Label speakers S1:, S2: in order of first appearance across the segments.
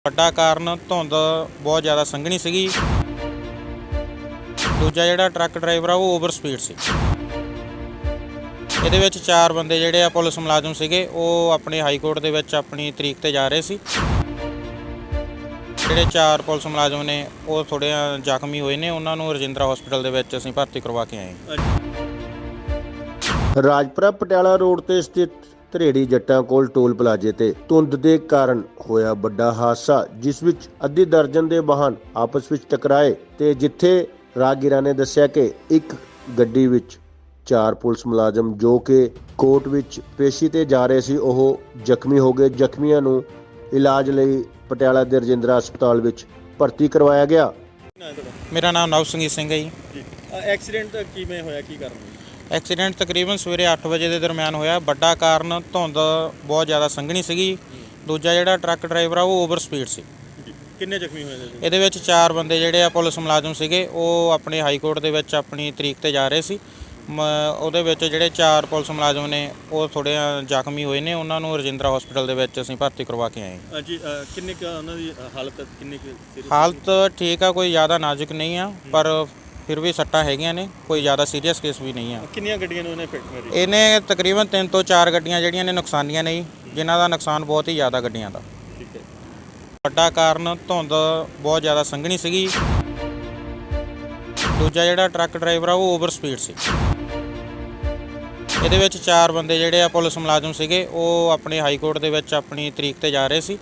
S1: ਵੱਡਾ ਕਾਰਨ ਧੁੰਦ ਬਹੁਤ ਜ਼ਿਆਦਾ ਸੰਘਣੀ ਸੀਗੀ। ਦੂਜਾ ਜਿਹੜਾ ਟਰੱਕ ਡਰਾਈਵਰ ਆ ਉਹ ਓਵਰ ਸਪੀਡ ਸੀ। ਇਹਦੇ ਵਿੱਚ 4 ਬੰਦੇ ਜਿਹੜੇ ਆ ਪੁਲਿਸ ਮੁਲਾਜ਼ਮ ਸੀਗੇ, ਉਹ ਆਪਣੇ ਹਾਈ ਕੋਰਟ ਦੇ ਵਿੱਚ ਆਪਣੀ ਤਰੀਕ ਤੇ ਜਾ ਰਹੇ ਸੀ। ਜਿਹੜੇ 4 ਪੁਲਿਸ ਮੁਲਾਜ਼ਮ ਨੇ ਉਹ ਥੋੜ੍ਹੇ ਜ਼ਖਮੀ ਹੋਏ ਨੇ, ਉਹਨਾਂ ਨੂੰ ਰਜਿੰਦਰਾ ਹਸਪੀਟਲ ਦੇ ਵਿੱਚ ਅਸੀਂ ਭਰਤੀ ਕਰਵਾ ਕੇ ਆਏ।
S2: ਰਾਜਪੁਰਾ ਪਟਿਆਲਾ ਰੋਡ ਤੇ ਸਥਿਤ ਧਰੇੜੀ ਜੱਟਾਂ ਕੋਲ ਟੋਲ ਪਲਾਜ਼ੇ ਤੇ ਧੁੰਦ ਦੇ ਕਾਰਨ ਹੋਇਆ ਵੱਡਾ ਹਾਦਸਾ, ਜਿਸ ਵਿੱਚ ਅੱਧੀ ਦਰਜਨ ਦੇ ਵਾਹਨ ਆਪਸ ਵਿੱਚ ਟਕਰਾਏ ਤੇ ਜਿੱਥੇ ਰਾਹਗੀਰਾਂ ਨੇ ਦੱਸਿਆ ਕਿ ਇੱਕ ਗੱਡੀ ਵਿੱਚ 4 ਪੁਲਿਸ ਮੁਲਾਜ਼ਮ ਜੋ ਕਿ ਕੋਰਟ ਵਿੱਚ ਪੇਸ਼ੀ ਤੇ ਜਾ ਰਹੇ ਸੀ, ਉਹ ਜ਼ਖਮੀ ਹੋ ਗਏ। ਜ਼ਖਮੀਆਂ ਨੂੰ ਇਲਾਜ ਲਈ ਪਟਿਆਲਾ ਦੇ ਰਜਿੰਦਰਾ ਹਸਪਤਾਲ ਵਿੱਚ ਭਰਤੀ ਕਰਵਾਇਆ ਗਿਆ।
S1: ਮੇਰਾ ਨਾਮ ਨਵਸੰਗੀਤ ਸਿੰਘ ਹੈ ਜੀ।
S3: ਐਕਸੀਡੈਂਟ ਕਿਵੇਂ ਹੋਇਆ, ਕੀ ਕਾਰਨ?
S1: ਐਕਸੀਡੈਂਟ ਤਕਰੀਬਨ ਸਵੇਰੇ 8 ਵਜੇ ਦੇ ਦਰਮਿਆਨ ਹੋਇਆ। ਵੱਡਾ ਕਾਰਨ ਧੁੰਦ ਬਹੁਤ ਜ਼ਿਆਦਾ ਸੰਘਣੀ ਸੀਗੀ। ਦੂਜਾ ਜਿਹੜਾ ਟਰੱਕ ਡਰਾਈਵਰ ਆ ਉਹ ਓਵਰ ਸਪੀਡ ਸੀ।
S3: ਕਿੰਨੇ ਜ਼ਖਮੀ ਹੋਏ ਨੇ?
S1: ਇਹਦੇ ਵਿੱਚ 4 ਬੰਦੇ ਜਿਹੜੇ ਆ ਪੁਲਿਸ ਮੁਲਾਜ਼ਮ ਸੀਗੇ, ਉਹ ਆਪਣੇ ਹਾਈ ਕੋਰਟ ਦੇ ਵਿੱਚ ਆਪਣੀ ਤਰੀਕ ਤੇ ਜਾ ਰਹੇ ਸੀ। ਉਹਦੇ ਵਿੱਚ ਜਿਹੜੇ 4 ਪੁਲਿਸ ਮੁਲਾਜ਼ਮ ਨੇ ਉਹ ਥੋੜ੍ਹੇ ਜ਼ਖਮੀ ਹੋਏ ਨੇ, ਉਹਨਾਂ ਨੂੰ ਰਜਿੰਦਰਾ ਹਸਪੀਟਲ ਦੇ ਵਿੱਚ ਅਸੀਂ ਭਰਤੀ ਕਰਵਾ ਕੇ ਆਏ।
S3: ਜੀ ਕਿੰਨੇ ਕੁ ਉਹਨਾਂ ਦੀ ਹਾਲਤ
S1: ਹਾਲਤ ਠੀਕ ਆ, ਕੋਈ ਜ਼ਿਆਦਾ ਨਾਜ਼ੁਕ ਨਹੀਂ ਆ, ਪਰ ਫਿਰ ਵੀ ਸੱਟਾਂ ਹੈਗੀਆਂ ਨੇ, ਕੋਈ ਜ਼ਿਆਦਾ ਸੀਰੀਅਸ ਕੇਸ ਵੀ ਨਹੀਂ ਆ।
S3: ਕਿੰਨੀਆਂ ਗੱਡੀਆਂ ਨੂੰ ਇਹਨੇ ਫਿੱਟ ਮਾਰੀ?
S1: ਇਹਨੇ ਤਕਰੀਬਨ 3 ਤੋਂ 4 ਗੱਡੀਆਂ ਜਿਹੜੀਆਂ ਨੇ ਨੁਕਸਾਨੀਆਂ ਨਹੀਂ, ਜਿਨ੍ਹਾਂ ਦਾ ਨੁਕਸਾਨ ਬਹੁਤ ਹੀ ਜ਼ਿਆਦਾ ਗੱਡੀਆਂ ਦਾ।
S3: ਠੀਕ ਹੈ।
S1: ਵੱਡਾ ਕਾਰਨ ਧੁੰਦ ਬਹੁਤ ਜ਼ਿਆਦਾ ਸੰਘਣੀ ਸੀਗੀ। ਦੂਜਾ ਜਿਹੜਾ ਟਰੱਕ ਡਰਾਈਵਰ ਆ ਉਹ ਓਵਰ ਸਪੀਡ ਸੀ। ਇਹਦੇ ਵਿੱਚ 4 ਬੰਦੇ ਜਿਹੜੇ ਆ ਪੁਲਿਸ ਮੁਲਾਜ਼ਮ ਸੀਗੇ, ਉਹ ਆਪਣੇ ਹਾਈ ਕੋਰਟ ਦੇ ਵਿੱਚ ਆਪਣੀ ਤਰੀਕ ਤੇ ਜਾ ਰਹੇ ਸੀ।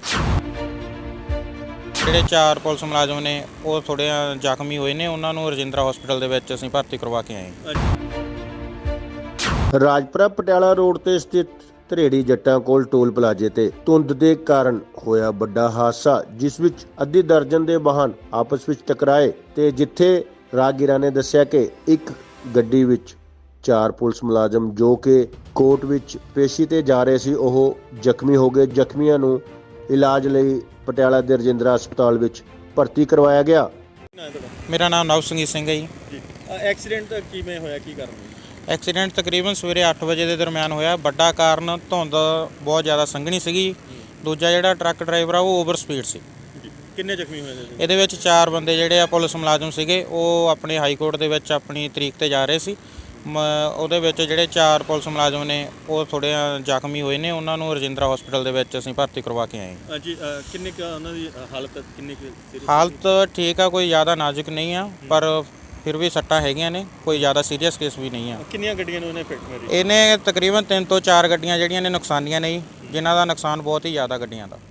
S1: ਜਿਹੜੇ 4 ਪੁਲਿਸ ਮੁਲਾਜ਼ਮ ਨੇ ਉਹ ਥੋੜ੍ਹੇ ਜ਼ਖਮੀ ਹੋਏ ਨੇ, ਉਹਨਾਂ ਨੂੰ ਰਜਿੰਦਰਾ ਹਸਪੀਟਲ ਦੇ ਵਿੱਚ ਅਸੀਂ ਭਰਤੀ ਕਰਵਾ ਕੇ ਆਏ।
S2: ਰਾਜਪੁਰਾ ਪਟਿਆਲਾ ਰੋਡ ਤੇ ਸਥਿਤ ਧਰੇੜੀ ਜੱਟਾਂ ਕੋਲ ਟੋਲ ਪਲਾਜ਼ੇ ਤੇ ਧੁੰਦ ਦੇ ਕਾਰਨ ਹੋਇਆ ਵੱਡਾ ਹਾਦਸਾ, ਜਿਸ ਵਿੱਚ ਅੱਧੀ ਦਰਜਨ ਦੇ ਵਾਹਨ ਆਪਸ ਵਿੱਚ ਟਕਰਾਏ ਤੇ ਜਿੱਥੇ ਰਾਹਗੀਰਾਂ ਨੇ ਦੱਸਿਆ ਕਿ ਇੱਕ ਗੱਡੀ ਵਿੱਚ 4 ਪੁਲਿਸ ਮੁਲਾਜ਼ਮ ਜੋ ਕਿ ਕੋਰਟ ਵਿੱਚ ਪੇਸ਼ੀ ਤੇ ਜਾ ਰਹੇ ਸੀ, ਉਹ ਜ਼ਖਮੀ ਹੋ ਗਏ। ਜ਼ਖਮੀਆਂ ਨੂੰ ਇਲਾਜ ਲਈ ਪਟਿਆਲਾ ਦੇ ਰਜਿੰਦਰਾ ਹਸਪਤਾਲ ਵਿੱਚ ਭਰਤੀ ਕਰਵਾਇਆ ਗਿਆ।
S1: ਮੇਰਾ ਨਾਮ ਨਵਸੰਗੀਤ ਸਿੰਘ ਹੈ ਜੀ।
S3: ਐਕਸੀਡੈਂਟ ਕਿਵੇਂ ਹੋਇਆ, ਕੀ ਕਾਰਨ?
S1: ਐਕਸੀਡੈਂਟ ਤਕਰੀਬਨ ਸਵੇਰੇ 8 ਵਜੇ ਦੇ ਦਰਮਿਆਨ ਹੋਇਆ। ਵੱਡਾ ਕਾਰਨ ਧੁੰਦ ਬਹੁਤ ਜ਼ਿਆਦਾ ਸੰਘਣੀ ਸੀਗੀ। ਦੂਜਾ ਜਿਹੜਾ ਟਰੱਕ ਡਰਾਈਵਰ ਆ ਉਹ ਓਵਰ ਸਪੀਡ ਸੀ।
S3: ਕਿੰਨੇ ਜ਼ਖਮੀ ਹੋਏ ਨੇ?
S1: ਇਹਦੇ ਵਿੱਚ 4 ਬੰਦੇ ਜਿਹੜੇ ਆ ਪੁਲਿਸ ਮੁਲਾਜ਼ਮ ਸੀਗੇ, ਉਹ ਆਪਣੇ ਹਾਈ ਕੋਰਟ ਦੇ ਵਿੱਚ ਆਪਣੀ ਤਰੀਕ ਤੇ ਜਾ ਰਹੇ ਸੀ। ਉਹਦੇ ਵਿੱਚ ਜਿਹੜੇ 4 ਪੁਲਿਸ ਮੁਲਾਜ਼ਮ ਨੇ ਉਹ ਥੋੜ੍ਹੇ ਜ਼ਖਮੀ ਹੋਏ ਨੇ, ਉਹਨਾਂ ਨੂੰ ਰਜਿੰਦਰਾ ਹਸਪੀਟਲ ਦੇ ਵਿੱਚ ਅਸੀਂ ਭਰਤੀ ਕਰਵਾ ਕੇ ਆਏ।
S3: ਜੀ ਕਿੰਨੇ ਕੁ ਉਹਨਾਂ ਦੀ ਹਾਲਤ
S1: ਹਾਲਤ ਠੀਕ ਆ, ਕੋਈ ਜ਼ਿਆਦਾ ਨਾਜ਼ੁਕ ਨਹੀਂ ਆ, ਪਰ ਫਿਰ ਵੀ ਸੱਟਾਂ ਹੈਗੀਆਂ ਨੇ, ਕੋਈ ਜ਼ਿਆਦਾ ਸੀਰੀਅਸ ਕੇਸ ਵੀ ਨਹੀਂ ਆ।
S3: ਕਿੰਨੀਆਂ ਗੱਡੀਆਂ ਨੂੰ ਇਹਨੇ ਫਿੱਟ ਮਾਰੀ?
S1: ਇਹਨੇ ਤਕਰੀਬਨ 3 ਤੋਂ 4 ਗੱਡੀਆਂ ਜਿਹੜੀਆਂ ਨੇ ਨੁਕਸਾਨੀਆਂ ਨਹੀਂ, ਜਿਨ੍ਹਾਂ ਦਾ ਨੁਕਸਾਨ ਬਹੁਤ ਹੀ ਜ਼ਿਆਦਾ ਗੱਡੀਆਂ ਦਾ।